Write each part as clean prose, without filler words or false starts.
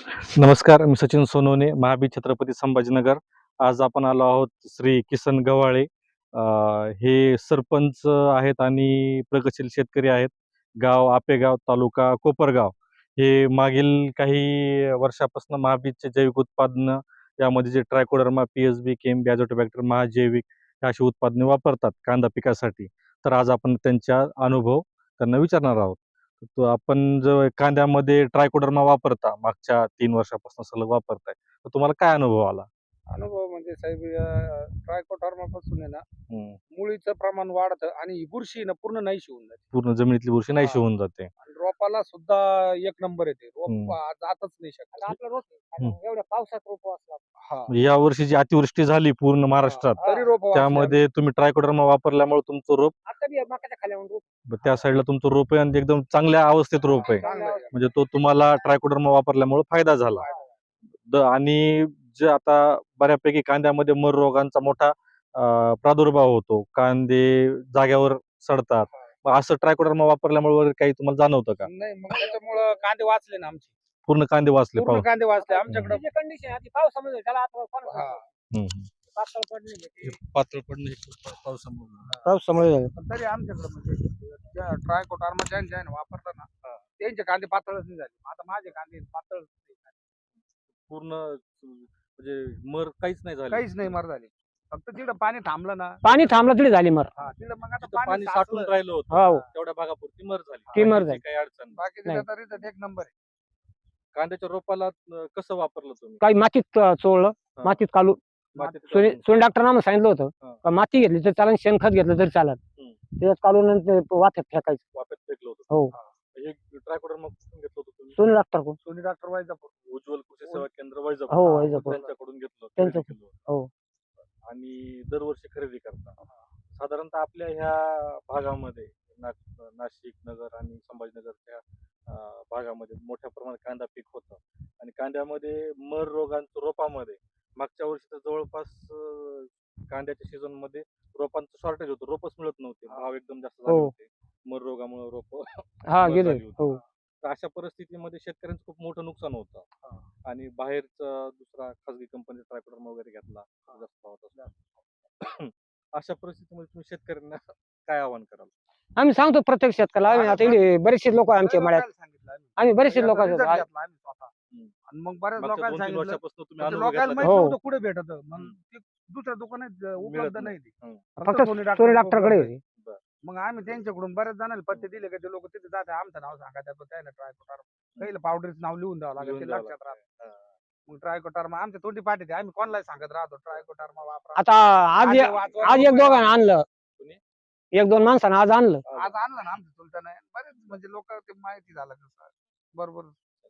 नमस्कार, मी सचिन सोनवणे, महाबीर छत्रपती संभाजीनगर. आज आपण आलो आहोत श्री किसन गव्हाळे. हे सरपंच आहेत आणि प्रगतशील शेतकरी आहेत. गाव आपेगाव, तालुका कोपरगाव. हे मागील काही वर्षापासून महाबीजचे जैविक उत्पादनं, यामध्ये जे ट्रायकोडर्मा, पी-एस-बी, केएमबी, अझोटोबॅक्टर, महाजैविक हे अशी उत्पादने वापरतात कांदा पिकासाठी. तर आज आपण त्यांचा अनुभव त्यांना विचारणार आहोत. तो आपण जो कांद्यामध्ये ट्रायकोडर्मा वापरता, मागच्या 3 वर्षापासून सलग वापरताय. तर तुम्हाला काय अनुभव आला? अनुभव म्हणजे साहेब ट्रायकोडर्मापासून आहे ना हं. मुळीचं प्रमाण वाढतं आणि ही बुरशी ना पूर्ण नाहीशी होऊन जाते पूर्ण जमिनीतली बुरशी नाहीशी हां. होऊन जाते. आणि रोपाला सुद्धा एक नंबर येते. रोप जातच नाही शकत. आपला रोप हं. एवढ्या पावसात रोप असला हा म्हणजे या वर्षी जी अतिवृष्टी झाली पूर्ण महाराष्ट्रात, तरी रोप त्यामध्ये तुम्ही ट्रायकोडर्मा वापरल्यामुळे तुमचं रोप आता बी मकाच्या खाल्यावर रोप त्या साईडला तुमचं रोप आहे आणि एकदम चांगल्या अवस्थेत रोप आहे. म्हणजे तो तुम्हाला ट्रायकोडर्मा वापरल्यामुळे फायदा झाला. आणि जे आता बऱ्यापैकी कांद्यामध्ये मर रोगांचा मोठा प्रादुर्भाव होतो. कांदे जाग्यावर सडतात. मग असं ट्रायकोडर्मा वापरल्यामुळे वगैरे काही तुम्हाला जाणवतं का? नाही मग त्याच्यामुळं कांदे वाचले ना आमचे. पूर्ण कांदे वाचले पूर्ण कांदे वाचले आमच्याकडे. जे कंडिशन आधी पावसामध्ये त्याला आता हा. पातळ पडले पातळ पडणे पावसामुळे. पावसामुळे पण तरी आमच्याकडे म्हणजे ट्रायकोडर्मा ज्यांनी वापरला ना त्यांचे कांदे पातळच नाही झाले. आता माझे कांदे पातळ पूर्ण म्हणजे मर काहीच नाही झालं. काहीच नाही मर झाले. फक्त तिकडं पाणी थांबलं ना पाणी थांबलं तरी झाली मर तिकडं मग आता जिथं पाणी साचलं. साठून राहिलं होतं हो तेवढ्या भागापुरती मर झाली. ती मर बाकीची झाली. काही अडचण नाही. बाकी नाही. तरी तर एक नंबर आहे. कांद्याच्या रोपाला कसं वापरलं तुम्ही? काही मातीत चोळलं हा. मातीत काढून मातीत सोनी काढून? डॉक्टरना आम्हाला सांगितलं होतं हा. का माती घेतली तर चालेल शेणखत घेतलं तरी चालेल हम्म. त्याच्यात काढून आणि ते वाफ्यात फेकायचं. वाफ्यात फेकलं होतं. हो हे ट्रायकोडर्मा कुठून घेतलं होतं तुम्ही? सोनी डॉक्टर कोण सोनी डॉक्टर वैजापूर. उज्ज्वल कृषी सेवा केंद्र वैजापूर. हो वैजापूर त्यांच्याकडून घेतलं होतं, त्यांचं- खरेदी केलं होतं. हो आणि दरवर्षी खरेदी करता. साधारणतः आपल्या ह्या भागामध्ये नाशिक नगर आणि संभाजीनगरच्या भागामध्ये मोठ्या प्रमाणात कांदा पीक होतं आणि कांद्यामध्ये मर रोगांच्या रोपामध्ये मागच्या वर्षी तर जवळपास कांद्याच्या सीझन मध्ये रोपांचं शॉर्टेज होतं. रोपच मिळत नव्हते. भाव एकदम जास्त झाले हो. होते. मर रोगामुळे रोप हा मर गेले झाली होती. हो तर अशा परिस्थितीमध्ये शेतकऱ्यांचं खूप मोठं नुकसान होतं आणि बाहेरचा दुसरा खासगी कंपनी ट्रायकोडर्मा वगैरे घेतला जास्त भावात असला. अशा परिस्थितीमध्ये तुम्ही शेतकऱ्यांना काय आवाहन कराल? आम्ही सांगतो प्रत्येक शेतकऱ्याला आम्ही आता इकडे बरेचसे लोक आहे आमच्या मळ्यात सांगितलं आम्ही बरेचसे लोक result घेतला आम्ही स्वतः. आणि मग बऱ्याच मागच्या लोकांना 2-3 सांगितलं वर्षापासून तुम्ही म्हणजे अनुभव लोकांना घेतला माहित हो. नव्हतं कुठे भेटत मग ते दुसऱ्या दुकानात उपलब्ध नाही. नाही ती. हं. फक्त सोनी सोनी डॉक्टर डॉक्टरकडे होती. मग आम्ही त्यांच्याकडून बऱ्याच जणांना पत्ते दिले की ते लोक तिथे जाते आमचं नाव सांगा त्याचं त्याला ट्रायकोटार पहिलं पावडरचं नाव लिहून द्यावं लागेल लिहून ते द्यावं लक्षात राहत. लागतं. मग ट्रायकोटारमा आमच्या तोंडी पाठी ते आम्ही कोणाला सांगत राहतो ट्रायकोटारमा वापरा. आता आज आज एक दोघांना आणलं कोणी? एक दोन माणसानं आज आणलं आज आणलं ना आमच्या चुलत्यानं बरेच म्हणजे लोक ते माहिती झालं कसं बरोबर.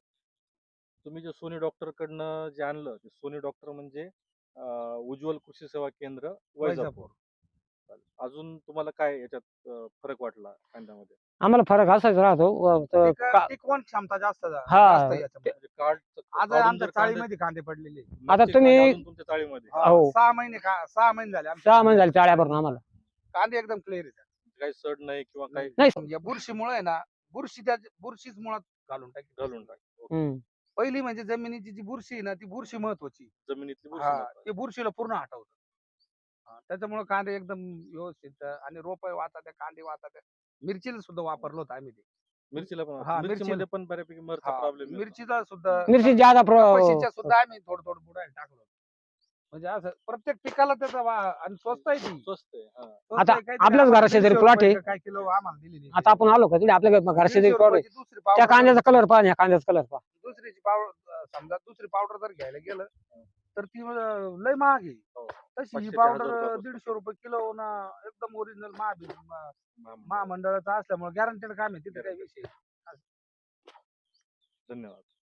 तुम्ही जे सोनी डॉक्टर कडनं जे आणलं ते सोनी डॉक्टर म्हणजे उज्ज्वल कृषी सेवा केंद्र वैजापूर. चालेल. अजून तुम्हाला काय याच्यात फरक वाटला कांद्यामध्ये? आम्हाला फरक असाच राहतो टिकवण क्षमता जास्त हा. जास्त याच्यामध्ये. म्हणजे कार्ड आज आमच्या चाळीमध्ये कांदे पडलेले. आता तुम्ही- तुमच्या चाळीमध्ये हो. 6 महिने 6 महिने झाले आमचे 6 महिने झाले चाळ्या भरून आम्हाला कांदे एकदम क्लिअर आहेत. काही सड नाही किंवा काही नाही या बुरशीमुळे आहे ना बुरशीच मुळात घालून टाकली. घालून टाक. हम्म. पहिली म्हणजे जमिनीची जी बुरशी आहे ना ती बुरशी महत्वाची. जमिनीतली बुरशी हा महत्वाची. ते बुरशीला पूर्ण हटवतं. त्याच्यामुळे कांदे एकदम व्यवस्थित आणि रोप वाहतात कांदे वाहतात. मिरचीला सुद्धा वापरलं होतं आम्ही ते. मिरचीला हा, पण मिरची- मिरचीमध्ये पण बऱ्यापैकी मरचा हा, प्रॉब्लेम मिरचीचा सुद्धा मिरची ज्यादा कपाशीच्या सुद्धा आम्ही थोडं बुडायला टाकलो. म्हणजे असं प्रत्येक पिकाला त्याचा आणि स्वस्त आहे ती. स्वस्त आहे. हा. स्वस्त आता आहे, काहीतरी आपल्याच आम्हाला घराशेजारी 150 plot आहे. रुपये काय किलो आम्हाला दिलेली. आता आपण आलो का तिथे आपल्या घरचे 150 रुपयाची दुसरी त्या पावडर कांद्याचा कलर पहा या कांद्याचा कलर पहा दुसरीची पावडर समजा दुसरी पावडर जर घ्यायला गेलं तर ती लय महाग आहे. हो. तशी 500 ही ते पावडर 1000 रुपयापासून. 150 रुपये किलो ना एकदम ओरिजिनल महामंडळ. महामंडळाचं असल्यामुळे गॅरंटेड काम आहे तिथे काही विषय. धन्यवाद.